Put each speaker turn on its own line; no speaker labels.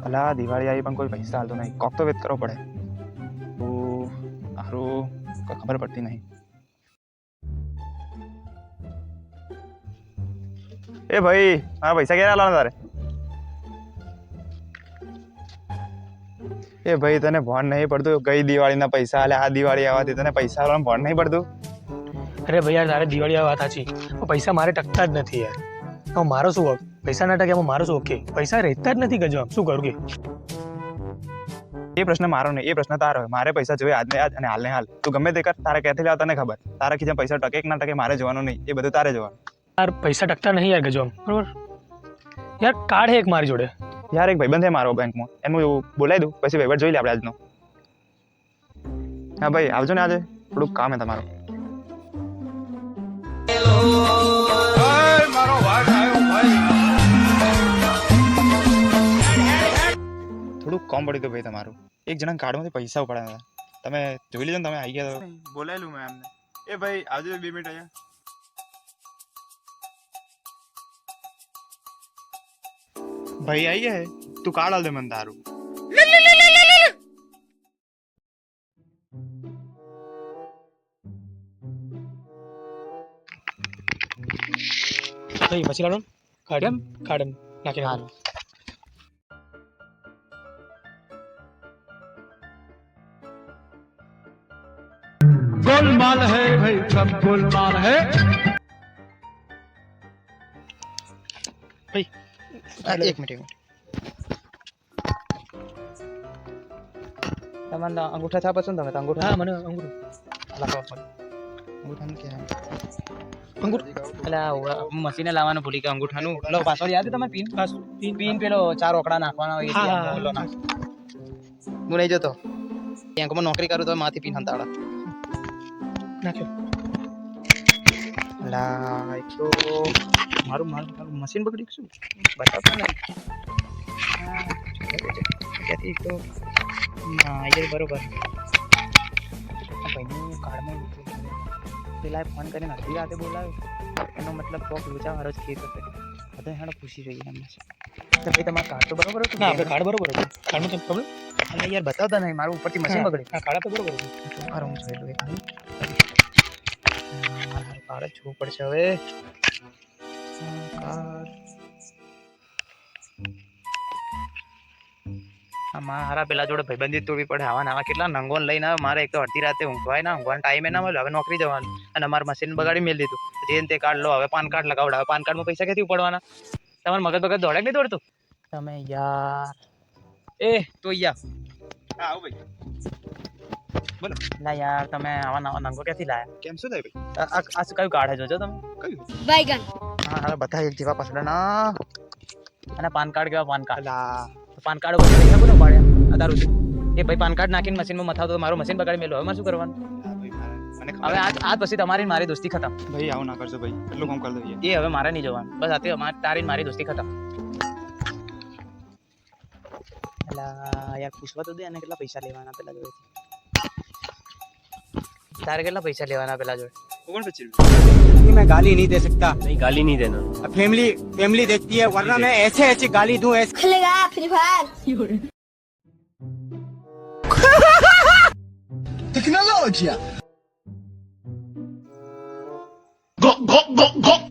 અલા દિવાળી આવી પણ કોઈ પૈસા હાલતો નહીં, કોક તો વેત કરવો પડે. સારું કોઈ ખબર પડતી નહીં. એ ભાઈ મારા પૈસા ક્યારે આલવાના તારે? એ ભાઈ તને ભણ નહીં પડતું? ગઈ દિવાળીના પૈસા આલે, આ દિવાળી આવવાથી તને પૈસા આલવાનું ભણ નહીં પડતું?
અરે ભાઈ યાર, તારે દિવાળી આ વાત સાચી, પણ પૈસા મારે ટકતા જ નથી યાર. હવે મારો શું હક? પૈસા ના ટકે એમાં મારો શું ઓકે? પૈસા રહેતા જ નથી ગજવા, શું કરું કે?
એ પ્રશ્ન મારો નહીં, એ પ્રશ્ન તારો. મારે પૈસા જોઈએ આજને આજ અને હાલને હાલ. તું ગમે તે કર, તારે ક્યાંથી લાવ તને ખબર. તારા ખીચામાં પૈસા ટકે કે ના ટકે મારે જોવાનું નહીં, એ બધું તારે જોવાનું.
યાર પૈસા ટકતા નહીં યાર ગજવા, બરોબર? યાર કાર્ડ હે એક મારી જોડે.
યાર એક ભાઈબંધ છે મારો બેંકમાં, એનું એવું બોલાવી દઉં, પછી વહીવટ જોઈ લે આપણે આજનો. હા ભાઈ આવજો ને, આજે થોડુંક કામ છે તમારું. થોડુંક કામ પડ્યું હતું ભાઈ તમારું. એક જણા કાર્ડમાંથી પૈસા ઉપાડ્યા હતા, તમે જોઈ લીધો ને? તમે આવી ગયા તો બોલાયેલું મેં એમને. એ ભાઈ આવજો 2 મિનિટ અહીંયા. ભાઈ આવી ગયા, તું કાર્ડ આલ દે મને તારું.
ભાઈ પછી લાડો કાર્ડ કાર્ડ નાખી નાખો.
गोलमाल है भाई, सब गोलमाल है.
ભાઈ
એક મિનિટ.
તમને અંગૂઠા છાપ હશે ને? તમે તો અંગૂઠા
હા મને અંગૂઠો લખાવો પડે.
અંગૂઠાનું ક્યાં?
એટલે મશીને લાવવાનું ભૂલી ગયા અંગૂઠાનું. પેલો પાસવર્ડ યાદ છે તમારે? પિન
બસ
પિન પેલો 4 ઓકડા નાખવાનો હોય
હા,
છે.
હા,
ઓલો નાખ. હું નહીં જતો બેંકમાં નોકરી કરું તો માથી પિન હંતાડા.
નાખ્યો.
લા એક તો મારું મશીન બગડી ગયું, બતાવતા નહીં. ક્યાંથી એક તો એ બરોબર ભાઈનું કાર્ડમાં પેલા ફોન કરીને અડધી રાતે બોલાવ્યો, એનો મતલબ કોક લોચાવાળો જ કેસ હશે. બધા હેડો ખુશી થઈ એમને. તો ભાઈ તમારું કાર્ડ તો બરોબર હતું?
ના આપણે કાર્ડ બરોબર હતું. કાર્ડમાં કંઈ પ્રોબ્લેમ?
અને યાર બતાવતા નહીં, મારું ઉપરથી મશીન બગડે.
હા કાર્ડ તો બરોબર હતું.
મારું હું જોઈ લઉં એક મિનિટ. મારું કાર્ડ જ જોવું પડશે હવે. કાર્ડ મારા પેલા જોડે ભાઈબંધી તોડવી પડે. આવા કેટલા નંગોન લઈને આવે. મારે એક તો અડધી રાતે ઊંઘવાય ના, ઊંઘવાનો ટાઈમે ના મળે. હવે નોકરી જવાનું અને મારું મશીન બગાડી મેળ દીધું. જે તે કાર્ડ લો, હવે પાન કાર્ડ લગાવડાવે. પાન કાર્ડમાં પૈસા ક્યાંથી ઉપાડવાના? તમારે મગજ બગજ દોડે કે નહીં દોડતું? તમે યાર એ તો યાર
હા આવું ભાઈ. બોલો
ના યાર, તમે આવા નવા નંગો ક્યાંથી લાયા?
કેમ શું થાય ભાઈ?
આ શું કયું કાર્ડ છે જોજો તમે?
કયું?
बैगन
હા હા બધા એક જેવા પસડા ના. અને પાન કાર્ડ કેવા? પાન કાર્ડ
અલા
પાન કાર્ડ ઉપર પૈસા કોને પાડ્યા અત્યાર સુધી? એ ભાઈ પાન કાર્ડ નાખીને મશીનમાં મથાવતો તો મારું મશીન બગાડી મેલો. હવે મારે શું કરવાનું?
હા ભાઈ મને
હવે
ખબર.
આજ પછી તમારી મારી દોસ્તી ખતમ.
ભાઈ આવું ના કરજો ભાઈ, એટલું કામ કરી દઈએ.
એ હવે મારે નહીં જવાનું. બસ આથી તારી મારી દોસ્તી ખતમ. એલા યાર પૂછવા તો દે અને કેટલા પૈસા લેવાના પેલા જોડે? તારે કેટલા પૈસા લેવાના પેલા જોડે?
49 રૂપિયા.
मैं गाली नहीं दे सकता.
नहीं गाली नहीं देना.
फैमिली फैमिली देखती है, वरना मैं ऐसे ऐसे गाली दूं ऐसे.
खुलेगा free fire
technology.
Go go go go.